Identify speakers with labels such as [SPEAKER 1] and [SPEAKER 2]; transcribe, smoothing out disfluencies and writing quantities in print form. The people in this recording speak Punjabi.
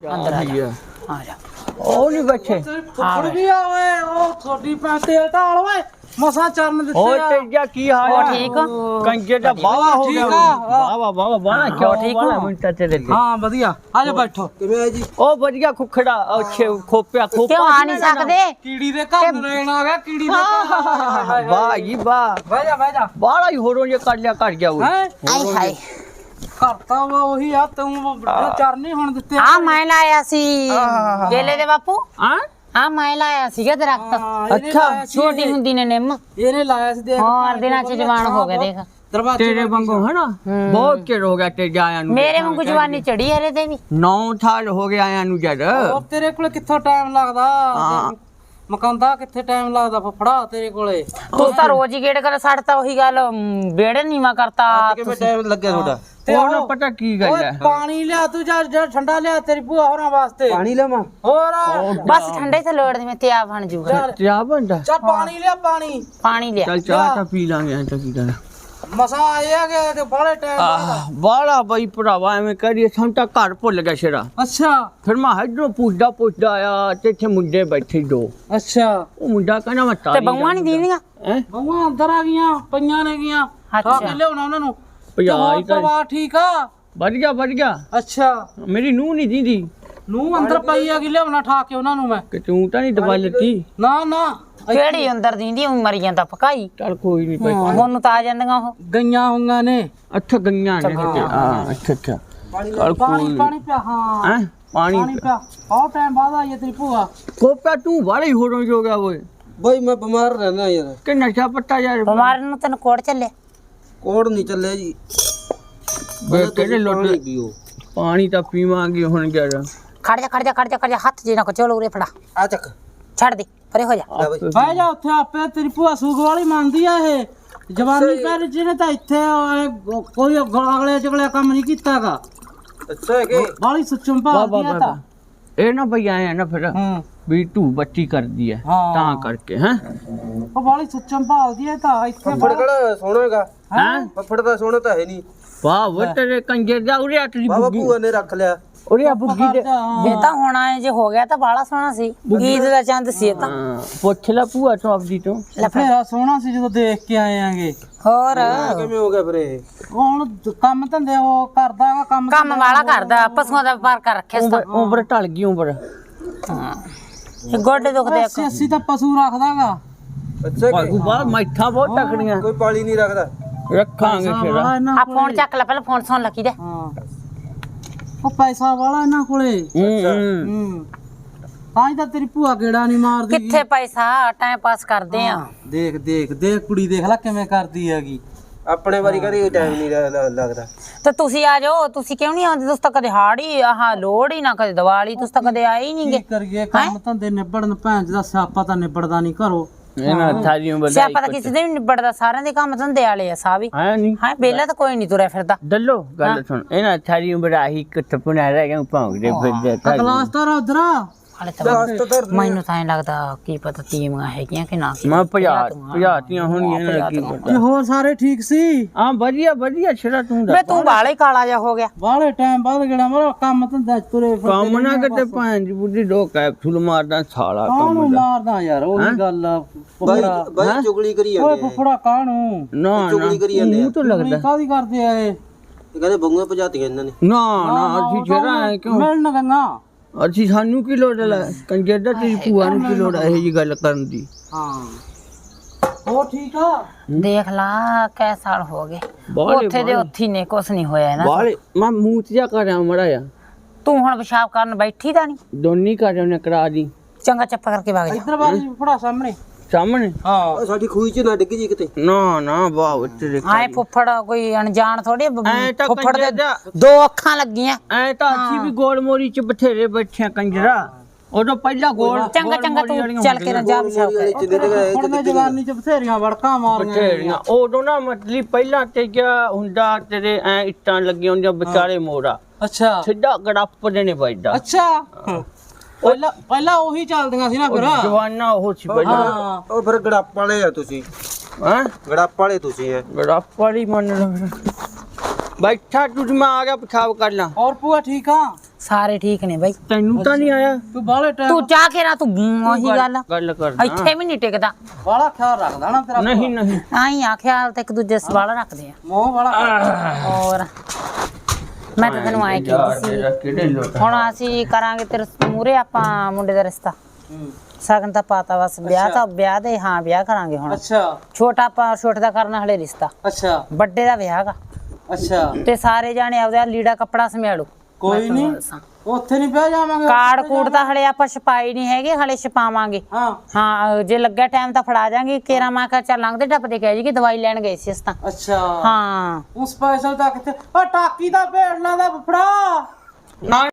[SPEAKER 1] ਅੰਦਰ ਆ ਜਾ ਆ ਜਾ
[SPEAKER 2] ਉਹ ਨਹੀਂ ਬੈਠੇ
[SPEAKER 3] ਫੁੱਫੜ ਵੀ ਆ ਓਏ ਉਹ ਥੋੜੀ ਪਾ ਤੇਲ ਢਾਲ ਓਏ ਮਸਾਂ ਚਰਨ ਦਿੱਤੇ
[SPEAKER 2] ਉਹ
[SPEAKER 3] ਆ
[SPEAKER 2] ਤੇਜਾ ਕੀ ਹਾਲ
[SPEAKER 1] ਉਹ
[SPEAKER 2] ਆ
[SPEAKER 1] ਠੀਕ ਆ?
[SPEAKER 2] ਕੰਜੇ ਦਾ ਬਾਵਾ ਹੋ ਗਿਆ
[SPEAKER 3] ਠੀਕ ਆ।
[SPEAKER 2] ਬਾਵਾ ਬਾਵਾ ਕਿਉਂ ਠੀਕ ਹੋ ਮਿੰਟਾਂ ਤੇ ਦੇ
[SPEAKER 3] ਹਾਂ ਵਧੀਆ ਆ ਜਾ ਬੈਠੋ ਕਿਵੇਂ ਆ ਜੀ
[SPEAKER 2] ਉਹ ਵਧੀਆ ਖੁਖੜਾ ਅੱਛੇ ਖੋਪਿਆ ਖੋਪਾ
[SPEAKER 1] ਕਿਉਂ ਆ ਨਹੀਂ ਸਕਦੇ
[SPEAKER 3] ਕੀੜੀ ਦੇ ਘਰ ਨੂੰ ਰਹਿਣ ਆ ਗਿਆ ਕੀੜੀ ਦੇ ਘਰ
[SPEAKER 2] ਵਾਹ ਜੀ ਵਾਹ
[SPEAKER 3] ਬਹਿ ਜਾ
[SPEAKER 2] ਬਾਹਲਾ ਹੀ ਹੋਰੋਂ ਜੇ ਕਰ ਲਿਆ ਕਰ ਗਿਆ ਉਹ
[SPEAKER 3] ਹੈ
[SPEAKER 1] ਆਏ ਹਾਏ
[SPEAKER 3] ਕਰਤਾ ਵਾ ਉਹੀ ਆ ਤੂੰ ਚਰਨ ਨਹੀਂ ਹੁਣ ਦਿੱਤੇ
[SPEAKER 1] ਆ ਮੈਂ ਲਾਇਆ ਸੀ ਗੇਲੇ ਦੇ ਬਾਪੂ
[SPEAKER 2] ਹਾਂ
[SPEAKER 1] ਆ ਮੈਂ ਲਾਇਆ ਸੀਗਾ ਦਰਖਤ
[SPEAKER 2] ਅੱਛਾ
[SPEAKER 1] ਛੋਟੀ ਹੁੰਦੀ ਨੇ ਨਿੰਮ
[SPEAKER 3] ਇਹਨੇ ਲਾਇਆ ਸੀ ਦੇਖ
[SPEAKER 1] ਹੋਰ ਦਿਨਾਂ ਚ ਜਵਾਨ ਹੋ ਗਿਆ ਦੇਖ
[SPEAKER 3] ਦਰਵਾਜ਼ੇ
[SPEAKER 2] ਤੇਰੇ ਵਾਂਗੂ ਹੈ ਨਾ ਬਹੁਤ ਚਿਰ ਹੋ ਗਿਆ ਤੇ ਜਾਇਆ ਨੂੰ
[SPEAKER 1] ਮੇਰੇ ਵਾਂਗੂ ਜਵਾਨੀ ਚੜੀ ਹਰੇ ਤੇ ਵੀ
[SPEAKER 2] 9 ਸਾਲ ਹੋ ਗਏ ਆਇਆਂ ਨੂੰ ਜਦ
[SPEAKER 3] ਹੋਰ ਤੇਰੇ ਕੋਲੇ ਕਿੱਥੋਂ ਟਾਈਮ ਲੱਗਦਾ ਮਕਾਂਦਾ ਕਿੱਥੇ ਟਾਈਮ ਲੱਗਦਾ ਫਫੜਾ ਤੇਰੇ ਕੋਲੇ
[SPEAKER 1] ਤੂੰ ਤਾਂ ਰੋਜ਼ ਹੀ ਗੇੜ ਕਰ ਛੱਡਤਾ ਉਹੀ ਗੱਲ ਬੇੜੇ ਨੀਵਾ ਕਰਤਾ
[SPEAKER 3] ਕਿਵੇਂ ਟਾਈਮ ਲੱਗਿਆ ਤੁਹਾਡਾ
[SPEAKER 2] ਉਹ ਨਾ ਪਤਾ ਕੀ ਗੱਲ
[SPEAKER 3] ਓਏ
[SPEAKER 2] ਹੈ
[SPEAKER 3] ਪਾਣੀ ਲਿਆ ਤੂੰ ਜਾ ਠੰਡਾ ਲਿਆ ਤੇਰੀ ਭੂਆ ਹੋਰਾਂ ਵਾਸਤੇ ਪਾਣੀ ਲਿਆਵਾਂ ਹੋਰ
[SPEAKER 1] ਬਸ ਠੰਡੇ ਤੇ ਲੋੜ ਦੀ ਮੈਂ ਤੇ ਆ ਬਣ ਜੂਗਾ
[SPEAKER 2] ਚਾਹ ਬੰਦਾ
[SPEAKER 3] ਚੱਲ ਪਾਣੀ ਲਿਆ ਪਾਣੀ
[SPEAKER 1] ਲਿਆ
[SPEAKER 2] ਚੱਲ ਚਾਹ ਤਾਂ ਪੀ ਲਾਂਗੇ ਐਂ ਤਾਂ ਕੀ ਕਰਨਾ
[SPEAKER 3] ਮਸਾ ਆਏ ਆ ਗਏ ਤੇ ਬੜੇ ਟਾਈਮ ਬਾਅਦ
[SPEAKER 2] ਬਾਲਾ ਬਈ ਭਰਾਵਾ ਐਵੇਂ ਕਰੀਏ ਸਾਨੂੰ ਤਾਂ ਘਰ ਭੁੱਲ ਗਿਆ ਸ਼ੇਰਾ
[SPEAKER 3] ਅੱਛਾ
[SPEAKER 2] ਫਿਰ ਮੈਂ ਇਧਰੋਂ ਪੁੱਛਦਾ ਆਇਆ ਤੇ ਇੱਥੇ ਮੁੰਡੇ ਬੈਠੇ ਦੋ
[SPEAKER 3] ਅੱਛਾ
[SPEAKER 2] ਉਹ ਮੁੰਡਾ ਕਹਿੰਦਾ ਮੈਂ
[SPEAKER 1] ਤੇ
[SPEAKER 2] ਤਾਰੀ
[SPEAKER 1] ਬੰਗਾਂ ਨਹੀਂ ਦੀਦੀਆਂ
[SPEAKER 2] ਹੈ
[SPEAKER 3] ਬਹੂਆਂ ਅੰਦਰ ਆ ਗਈਆਂ ਪਈਆਂ ਨੇ ਗਈਆਂ
[SPEAKER 1] ਅੱਛਾ।
[SPEAKER 3] ਆ ਕੇ ਲਿਆਉਣਾ ਉਹਨਾਂ ਨੂੰ
[SPEAKER 2] ਭਜਾ ਹੀ ਤਾਂ
[SPEAKER 3] ਪਰਿਵਾਰ ਠੀਕ ਆ
[SPEAKER 2] ਵੱਜ ਗਿਆ
[SPEAKER 3] ਅੱਛਾ
[SPEAKER 2] ਮੇਰੀ ਨੂੰਹ ਨਹੀਂ ਦੀਦੀ
[SPEAKER 3] ਨੂੰ ਅੰਦਰ ਪਈ ਆ ਕਿ ਲਿਆਉਣਾ ਠਾ ਕੇ ਉਹਨਾਂ ਨੂੰ ਮੈਂ
[SPEAKER 2] ਕਿ ਤੂੰ ਤਾਂ ਨਹੀਂ ਦਵਾ ਲੱਤੀ
[SPEAKER 3] ਨਾ
[SPEAKER 1] ਕਿਹੜੀ ਅੰਦਰ ਦੀਂਦੀ ਉਹ ਮਰ ਜਾਂਦਾ ਪਕਾਈ
[SPEAKER 2] ਚੱਲ ਕੋਈ ਨਹੀਂ ਭਾਈ
[SPEAKER 1] ਹੁਣ ਤਾਂ ਆ ਜਾਂਦੀਆਂ ਉਹ
[SPEAKER 3] ਗਈਆਂ ਹੋਈਆਂ ਨੇ
[SPEAKER 2] ਅੱਛਾ ਗਈਆਂ ਨੇ ਕਿਤੇ ਹਾਂ ਅੱਛਾ ਚੱਲ ਕੋਈ
[SPEAKER 3] ਪਾਣੀ ਪਿਆ ਹਾਂ
[SPEAKER 2] ਹੈ ਪਾਣੀ
[SPEAKER 3] ਪਿਆ ਬਹੁਤ ਟਾਈਮ ਬਾਅਦ ਆਈ ਹੈ ਤੇਰੀ ਭੂਆ
[SPEAKER 2] ਕੋਪਾ ਤੂੰ ਬਾਲੇ ਹੋ ਰੋ ਹੋ ਗਿਆ ਓਏ
[SPEAKER 3] ਬਈ ਮੈਂ ਬਿਮਾਰ ਰਹਿਣਾ ਯਾਰ
[SPEAKER 2] ਕਿ ਨਸ਼ਾ ਪੱਤਾ ਯਾਰ
[SPEAKER 1] ਬਿਮਾਰ ਨੂੰ ਤੈਨੂੰ ਕੋੜ ਚੱਲੇ
[SPEAKER 3] ਕੋੜ ਨਹੀਂ ਚੱਲਿਆ ਜੀ
[SPEAKER 2] ਬੇ ਕਿਹੜੇ ਲੋਟ ਪਾਣੀ ਤਾਂ ਪੀਵਾਂਗੇ ਹੁਣ ਯਾਰ
[SPEAKER 1] ਖੜ ਜਾ ਹੱਥ ਜੇ ਨਾ ਕੋ ਚਲੋ ਉਰੇ ਫੜਾ
[SPEAKER 3] ਆ ਚੱਕ
[SPEAKER 1] ਛੱਡ ਦੇ ਪਰੇ ਹੋ ਜਾ
[SPEAKER 3] ਬਹਿ ਜਾ ਉੱਥੇ ਆਪੇ ਤੇਰੀ ਭੂਆ ਸੂਗ ਵਾਲੀ ਮੰਨਦੀ ਆ ਇਹ ਜਵਾਨੀ ਪਰ ਜਿਹਨੇ ਤਾਂ ਇੱਥੇ ਕੋਈ ਅਗਲੇ ਚਗਲੇ ਕੰਮ ਨਹੀਂ ਕੀਤਾਗਾ ਅੱਛਾ ਕਿ ਬਾਲੀ ਸੁਚਮ ਭਾਲਦੀ ਆ ਤਾਂ
[SPEAKER 2] ਇਹ ਨਾ ਭਈ ਆਏ ਨਾ ਫਿਰ ਵੀ ਤੂੰ ਬੱਚੀ ਕਰਦੀ ਹੈ ਤਾਂ ਕਰਕੇ ਹੈ
[SPEAKER 3] ਉਹ ਬਾਲੀ ਸੁਚਮ ਭਾਲਦੀ ਆ ਤਾਂ ਇੱਥੇ ਫੜ ਕਿਹੜਾ ਸੋਹਣਾਗਾ
[SPEAKER 2] ਹੈ
[SPEAKER 3] ਫੜ ਦਾ ਸੋਹਣਾ ਤਾਂ ਹੈ ਨਹੀਂ
[SPEAKER 2] ਵਾਹ ਉਹ ਤੇਰੇ ਕੰਜਰ ਦਾ ਉਰੇ ਅੱਟ ਦੀ
[SPEAKER 3] ਬਾਬਾ
[SPEAKER 2] ਬੁੱਗੀ
[SPEAKER 3] ਭੂਆ ਨੇ ਰੱਖ ਲਿਆ
[SPEAKER 2] ਉਰੇ ਆ ਬੁੱਗੀ ਦੇ
[SPEAKER 1] ਇਹ ਤਾਂ ਹੁਣ ਆਏ ਜੇ ਹੋ ਗਿਆ ਤਾਂ ਬਾਲਾ ਸੋਹਣਾ ਸੀ ਈਦ ਦਾ ਚੰਦ ਸੀ ਇਹ ਤਾਂ
[SPEAKER 2] ਹਾਂ, ਪੁੱਛ ਲੈ ਭੂਆ ਤੋਂ ਆਪਦੀ ਤੋਂ
[SPEAKER 3] ਫੇਰਾ ਸੋਹਣਾ ਸੀ ਜਦੋਂ ਦੇਖ ਕੇ ਆਏ ਆਂਗੇ
[SPEAKER 1] ਹੋਰ
[SPEAKER 3] ਕਿਵੇਂ ਹੋ ਗਿਆ ਫਿਰ ਇਹ ਹੁਣ ਕੰਮ ਧੰਦੇ ਉਹ ਕਰਦਾ ਹੈਗਾ ਕੰਮ
[SPEAKER 1] ਵਾਲਾ ਕਰਦਾ ਪਸ਼ੂਆਂ ਦਾ ਵਪਾਰ ਕਰ ਰੱਖਿਆ ਸੀ
[SPEAKER 2] ਉਮਰ ਢਲ ਗਈ ਉਮਰ
[SPEAKER 1] ਇਹ ਗੋਡੇ ਦੁਖਦੇ
[SPEAKER 3] 80 ਤਾਂ ਪਸ਼ੂ ਰੱਖਦਾਗਾ ਅੱਛਾ
[SPEAKER 2] ਭਾਗੂ ਬਾਹਰ ਮੈਠਾ ਬਹੁਤ ਟਕੜੀਆਂ
[SPEAKER 3] ਕੋਈ ਪਾਲੀ ਨਹੀਂ ਰੱਖਦਾ
[SPEAKER 2] ਰੱਖਾਂਗੇ ਸ਼ੇਰਾ
[SPEAKER 1] ਆ ਫੋਨ ਚੱਕ ਲੈ ਪਹਿਲਾਂ ਫੋਨ ਸੁਣ ਲੱਗੀ ਦੇ
[SPEAKER 3] ਹਾਂ ਉਹ ਪੈਸਾ ਵਾਲਾ ਇਹਨਾਂ ਕੋਲੇ ਤਾਂ ਹੀ ਤਾਂ ਤੇਰੀ ਭੂਆ ਗੇੜਾ ਨਹੀਂ ਮਾਰਦੀ
[SPEAKER 1] ਕਿੱਥੇ ਪੈਸਾ ਟਾਈਮ ਪਾਸ ਕਰਦੇ ਆ
[SPEAKER 3] ਦੇਖ ਕੁੜੀ ਦੇਖ ਲੈ ਕਿਵੇਂ ਕਰਦੀ ਹੈਗੀ ਆਪਣੇ ਵਾਰੀ ਕਦੇ ਟਾਈਮ ਨਹੀਂ ਲੱਗਦਾ
[SPEAKER 1] ਤੇ ਤੁਸੀਂ ਆ ਜਾਓ ਤੁਸੀਂ ਕਿਉਂ ਨਹੀਂ ਆਉਂਦੇ ਤੁਸੀਂ ਤਾਂ ਕਦੇ ਹਾੜੀ ਆਹ ਲੋੜ ਹੀ ਨਾ ਕਦੇ ਦੀਵਾਲੀ ਤੁਸੀਂ ਤਾਂ ਕਦੇ ਆਏ ਹੀ ਨਹੀਂਗੇ
[SPEAKER 3] ਕੀ ਕਰੀਏ ਕੰਮ ਧੰਦੇ ਨਿਬੜਨ ਭੈਣ ਦਾ ਸਿਆਪਾ ਤਾਂ ਨਿਬੜਦਾ ਨਹੀਂ ਘਰੋਂ
[SPEAKER 2] ਇਹਨਾਂ ਥਾਲੀ ਨੂੰ ਵਧਾਈ
[SPEAKER 1] ਸਿਆਪਾ ਤਾਂ ਕਿਸੇ ਦੇ ਵੀ ਨੀ ਨਿਬੜਦਾ ਸਾਰਿਆਂ ਦੇ ਕੰਮ ਧੰਦੇ ਵਾਲੇ ਆ ਸਾਹ ਵੀ
[SPEAKER 2] ਹੈ ਨਹੀਂ
[SPEAKER 1] ਹਾਂ ਬੇਲਾ ਤਾਂ ਕੋਈ ਨਹੀਂ ਤੁਰਿਆ ਫਿਰਦਾ
[SPEAKER 2] ਦੱਲੋ ਗੱਲ ਸੁਣ ਇਹਨਾਂ ਥਾਲੀ ਨੂੰ ਵਧਾਈ ਕਿੱਥੇ ਪੁਣਾ ਰਹਿ ਗਿਆ ਭੌਂਕਦੇ ਫਿਰਦੇ
[SPEAKER 3] ਕਲਾਸ ਤਾਂ ਉਧਰ
[SPEAKER 1] ਹਾਲੇ ਤਾਂ ਮੈਨੂੰ ਤਾਂ ਐਂ ਲੱਗਦਾ ਕੀ ਪਤਾ ਟੀਮਾਂ ਹੈਗੀਆਂ ਕਿ ਨਾ
[SPEAKER 2] ਮੈਂ ਭਜਾਤੀਆਂ ਹੋਣੀਆਂ ਇਹਨਾਂ ਕੀ ਪਤਾ
[SPEAKER 3] ਤੇ ਹੋਰ ਸਾਰੇ ਠੀਕ ਸੀ
[SPEAKER 2] ਹਾਂ ਵਧੀਆ ਛੜਾ ਤੂੰ
[SPEAKER 1] ਵੇ ਤੂੰ ਬਾਲੇ ਕਾਲਾ ਜਾ ਹੋ ਗਿਆ
[SPEAKER 3] ਬਾਹਲੇ ਟਾਈਮ ਬਾਅਦ ਗੇੜਾ ਮਾਰੋ ਕੰਮ ਧੰਦਾ ਤੁਰੇ
[SPEAKER 2] ਕੰਮ ਨਾ ਕਿਤੇ ਭਾਂਜ ਬੁੱਢੀ ਡੋ ਕੈਪਸੂਲ ਮਾਰਦਾ ਸਾਲਾ
[SPEAKER 3] ਕਾਹਨੂੰ ਮਾਰਦਾ ਯਾਰ ਉਹੀ ਗੱਲ ਆ ਬਾਈ ਚੁਗਲੀ ਕਰੀ ਜਾਂਦੇ ਓਏ ਫੁੱਫੜਾ ਕਾਹਨੂੰ
[SPEAKER 2] ਨਾ ਚੁਗਲੀ ਕਰੀ ਜਾਂਦੇ ਮੂੰਹ ਤੋਂ ਲੱਗਦਾ
[SPEAKER 3] ਕਾਹਦੀ ਕਰਦੇ ਆ ਇਹ ਕਹਿੰਦੇ ਬੰਗੂਆਂ ਭਜਾਤੀਆਂ ਇਹਨਾਂ ਨੇ
[SPEAKER 2] ਨਾ ਅਸੀਂ ਛੇੜਾ ਕਿਉਂ
[SPEAKER 3] ਮਿਲਣ ਗੰਗਾ
[SPEAKER 2] ਅਸੀਂ ਸਾਨੂੰ ਕੀ ਲੋੜ ਹੈ ਕੰਜਰ ਦਾ ਤੇਰੀ ਭੂਆ ਨੂੰ ਕੀ ਲੋੜ ਹੈ ਇਹ ਜੀ ਗੱਲ ਕਰਨ ਦੀ
[SPEAKER 3] ਹਾਂ ਉਹ ਠੀਕ ਆ
[SPEAKER 1] ਦੇਖ ਲਾ ਕੈ ਸਾਲ ਹੋ ਗਏ ਉੱਥੇ ਦੇ ਉੱਥੇ ਨੇ ਕੁਛ ਨਹੀਂ ਹੋਇਆ ਨਾ
[SPEAKER 2] ਬਾਲੇ ਮੈਂ ਮੂੰਹ ਤੇ ਜਾ ਕਰਿਆ ਮੜਾ ਆ
[SPEAKER 1] ਤੂੰ ਹੁਣ ਪਿਸ਼ਾਬ ਕਰਨ ਬੈਠੀ ਤਾਂ ਨਹੀਂ
[SPEAKER 2] ਦੋਨੀ ਕਰ ਉਹਨੇ ਕਰਾ ਦੀ
[SPEAKER 1] ਚੰਗਾ ਚੱਪ ਕਰਕੇ ਵਗ ਜਾ
[SPEAKER 3] ਇੱਧਰ ਬਾਜੀ ਫੁੱਫੜਾ ਸਾਹਮਣੇ
[SPEAKER 2] ਹਾਂ
[SPEAKER 3] ਸਾਡੀ ਖੂਹੀ ਚ ਨਾ ਡਿੱਗ ਜੀ ਕਿਤੇ
[SPEAKER 2] ਨਾ ਵਾਹ ਤੇਰੇ
[SPEAKER 1] ਆਏ ਫੁੱਫੜ ਕੋਈ ਅਣਜਾਣ ਥੋੜੀ
[SPEAKER 2] ਐ ਤਾਂ
[SPEAKER 1] ਫੁੱਫੜ ਦੇ
[SPEAKER 2] ਕੰਜਰ ਦਾ
[SPEAKER 1] ਦੋ ਅੱਖਾਂ ਲੱਗੀਆਂ
[SPEAKER 2] ਐ ਤਾਂ ਅਸੀਂ ਵੀ ਗੋਲ ਮੋਰੀ ਚ ਬਥੇਰੇ ਬੈਠੇ ਕੰਜਰਾ ਉਦੋਂ ਪਹਿਲਾਂ ਗੋਲ
[SPEAKER 1] ਚੰਗਾ ਤੂੰ ਚੱਲ ਕੇ ਨਾ ਜਾ ਪਿਸ਼ਾਬ ਕਰ
[SPEAKER 3] ਹੁਣ ਮੈਂ ਜਵਾਨੀ ਚ ਬਥੇਰੀਆਂ ਵੜਕਾਂ ਮਾਰੀਆਂ
[SPEAKER 2] ਬਥੇਰੀਆਂ ਉਦੋਂ ਨਾ ਮਤਲਬ ਪਹਿਲਾਂ ਤੇ ਗਿਆ ਹੁੰਦਾ ਤੇਰੇ ਐ ਇੱਟਾਂ ਲੱਗੀਆਂ ਹੁੰਦੀਆਂ ਵਿਚਾਰੇ ਮੋੜਾ
[SPEAKER 3] ਅੱਛਾ
[SPEAKER 2] ਸਿੱਧਾ ਗੜੱਪ ਦੇ ਨੇ ਵੱਜਦਾ
[SPEAKER 3] ਅੱਛਾ ਪਹਿਲਾਂ ਉਹੀ ਚੱਲਦੀਆਂ ਸੀ ਨਾ ਫਿਰ
[SPEAKER 2] ਜਵਾਨਾ ਉਹ ਸੀ ਪਹਿਲਾਂ
[SPEAKER 3] ਹਾਂ ਉਹ ਫਿਰ ਗੜੱਪ ਵਾਲੇ ਆ ਤੁਸੀਂ
[SPEAKER 2] ਹਾਂ
[SPEAKER 3] ਗੜੱਪ ਵਾਲੇ ਤੁਸੀਂ ਐ
[SPEAKER 2] ਗੜੱਪ ਵਾਲੀ ਮੰਨ ਲੈ ਬੈਠਾ ਤੂੰ ਮੈਂ ਆ ਗਿਆ ਪਿਸ਼ਾਬ ਕਰ ਲਾਂ
[SPEAKER 3] ਹੋਰ ਭੂਆ ਠੀਕ ਆ
[SPEAKER 1] ਸਾਰੇ ਠੀਕ ਨੇ ਬਾਈ।
[SPEAKER 2] ਤੈਨੂੰ ਤਾਂ ਨਹੀਂ ਆਇਆ?
[SPEAKER 3] ਤੂੰ ਬਾਲੇ ਟਾਈਮ
[SPEAKER 1] ਤੂੰ ਚਾਹ ਕੇ ਨਾ ਤੂੰ ਉਹੀ
[SPEAKER 2] ਗੱਲ ਕਰ
[SPEAKER 1] ਇੱਥੇ ਵੀ ਨਹੀਂ ਟਿਕਦਾ।
[SPEAKER 3] ਬਾਲਾ ਖਿਆਲ ਰੱਖਦਾ ਨਾ ਤੇਰਾ
[SPEAKER 2] ਨਹੀਂ ਨਹੀਂ
[SPEAKER 1] ਆਈ ਆ ਖਿਆਲ ਤੇ ਇੱਕ ਦੂਜੇ ਸਵਾਲ ਰੱਖਦੇ ਆ।
[SPEAKER 3] ਮੋਹ ਵਾਲਾ
[SPEAKER 1] ਔਰ ਮੈਂ ਤਾਂ ਤੈਨੂੰ ਆਏ ਕਹਿੰਦੀ ਸੀ
[SPEAKER 2] ਕਿਹੜੇ ਲੋਟ
[SPEAKER 1] ਹੁਣ ਅਸੀਂ ਕਰਾਂਗੇ ਤੇਰੇ ਮੂਰੇ ਆਪਾਂ ਮੁੰਡੇ ਦਾ ਰਿਸ਼ਤਾ। ਸਗਨ ਤਾਂ ਪਾਤਾ ਬਸ ਵਿਆਹ ਦੇ ਹਾਂ ਵਿਆਹ ਕਰਾਂਗੇ ਹੁਣ।
[SPEAKER 3] ਅੱਛਾ
[SPEAKER 1] ਛੋਟੇ ਦਾ ਕਰਨਾ ਹਲੇ ਰਿਸ਼ਤਾ,
[SPEAKER 3] ਅੱਛਾ
[SPEAKER 1] ਵੱਡੇ ਦਾ ਵਿਆਹ ਗਾ।
[SPEAKER 3] ਅੱਛਾ
[SPEAKER 1] ਤੇ ਸਾਰੇ ਜਾਣੇ ਆਪਦਾ ਲੀੜਾ ਕੱਪੜਾ ਸਮਿਆਲੂ।
[SPEAKER 3] ਕੋਈ ਨਹੀਂ ਉੱਥੇ ਨਹੀਂ ਬਹਿ ਜਾਵਾਂਗੇ।
[SPEAKER 1] ਕਾਰਡ ਕੂੜ ਤਾਂ ਹਲੇ ਆਪਾਂ ਛਪਾਈ ਨਹੀਂ ਹੈਗੇ, ਹਲੇ ਛਪਾਵਾਂਗੇ।
[SPEAKER 3] ਹਾਂ
[SPEAKER 1] ਹਾਂ ਜੇ ਲੱਗਾ ਟਾਈਮ ਤਾਂ ਫੜਾ ਜਾਾਂਗੇ। ਕੇਰਾ ਮੈਂ ਕਿਹਾ ਚੱਲ ਲੰਘਦੇ ਟੱਪਦੇ ਕਹਿ ਜੀ ਕਿ ਦਵਾਈ ਲੈਣ ਗਏ ਸੀ ਅਸੀਂ ਤਾਂ।
[SPEAKER 3] ਅੱਛਾ
[SPEAKER 1] ਹਾਂ
[SPEAKER 3] ਉਸ ਸਪੈਸ਼ਲ ਤਾਂ ਕਿੱਥੇ ਉਹ ਟਾਕੀ ਦਾ ਭੇੜ ਲਾਦਾ ਫੜਾ।